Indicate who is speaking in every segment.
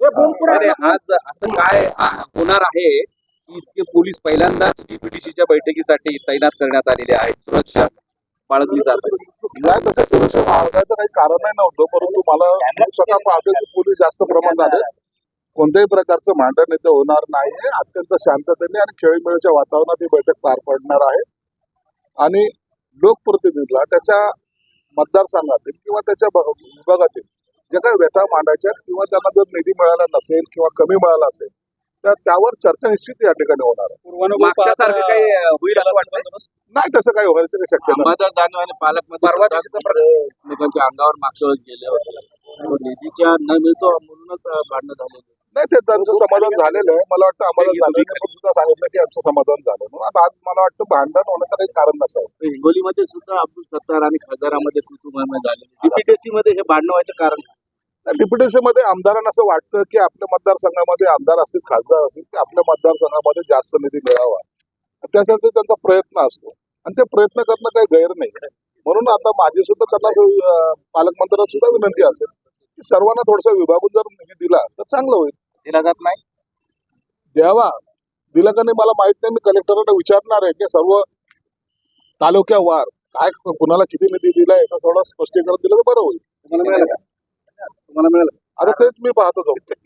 Speaker 1: अरे आज असं काय होणार आहे की इतके पोलीस पहिल्यांदाच डीपीटीसीच्या बैठकीसाठी तैनात करण्यात आलेले आहेत, सुरक्षा बाळगली जात आहे.
Speaker 2: नाही तसं सुरक्षा बाळगायचं काही कारणही नव्हतं, परंतु मला स्वतः पाहतो की पोलीस जास्त प्रमाणात आले. कोणत्याही प्रकारचं भांडण इथे होणार नाही. अत्यंत शांततेने आणि खेळीमेळीच्या वातावरणात ही बैठक पार पडणार आहे आणि लोकप्रतिनिधीला त्याच्या मतदारसंघातील किंवा त्याच्या विभागातील जे काही व्यथा मांडायच्या आहेत किंवा त्यांना जर निधी मिळाला नसेल किंवा कमी मिळाला असेल तर त्यावर चर्चा निश्चित या ठिकाणी होणार आहे.
Speaker 1: मागच्यासारखं काही होईल असं वाटतं?
Speaker 2: नाही तसं काही व्हायचं काही शक्यता नाही.
Speaker 3: अंबादास दानवे आणि पालकमंत्री एकमेकांच्या अंगावर मागच्या वेळेस गेले होते. निधीच्या न मिळतो म्हणूनच भांडणं झाले.
Speaker 2: नाही ते त्यांचं समाधान झालेलं आहे. मला वाटतं अंबादास दानवेंनी पण सुद्धा सांगितलं की आमचं समाधान झालं म्हणून. आता आज मला वाटतं भांडण होण्याचं काही कारण नसावं.
Speaker 3: हिंगोलीमध्ये सुद्धा अब्दुल सत्तार आणि खासदारामध्ये कुटुंब झाले. डीपीटीसी मध्ये हे भांडणं व्हायचं कारण
Speaker 2: डीपीटीसी मध्ये आमदारांना असं वाटतं की आपल्या मतदारसंघामध्ये आमदार असतील खासदार असतील की आपल्या मतदारसंघामध्ये जास्त निधी मिळावा त्यासाठी त्यांचा प्रयत्न असतो आणि ते प्रयत्न करणं काही गैर नाही. म्हणून आता माझी सुद्धा त्यांना पालकमंत्र्यांना सुद्धा विनंती असेल की सर्वांना थोडासा विभागून जर निधी दिला तर चांगलं होईल.
Speaker 1: दिला जात नाही
Speaker 2: द्यावा दिला का नाही मला माहित नाही. मी कलेक्टरांना विचारणार आहे की सर्व तालुक्यावार काय कुणाला किती निधी दिला याचं थोडं स्पष्टीकरण दिलं तर बरं होईल.
Speaker 1: तुम्हाला मिळालं का? तुम्हाला मिळालं?
Speaker 2: आता तेच मी पाहतो जाऊ.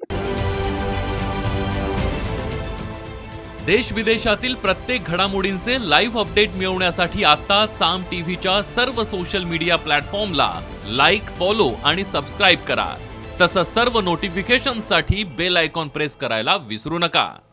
Speaker 4: देश विदेशातील प्रत्येक घडामोडींचे लाईव्ह अपडेट मिळवण्यासाठी आता साम टीव्हीच्या सर्व सोशल मीडिया प्लॅटफॉर्मला लाईक, फॉलो आणि सबस्क्राईब करा. तसंच सर्व नोटिफिकेशनसाठी बेल आयकॉन प्रेस करायला विसरू नका.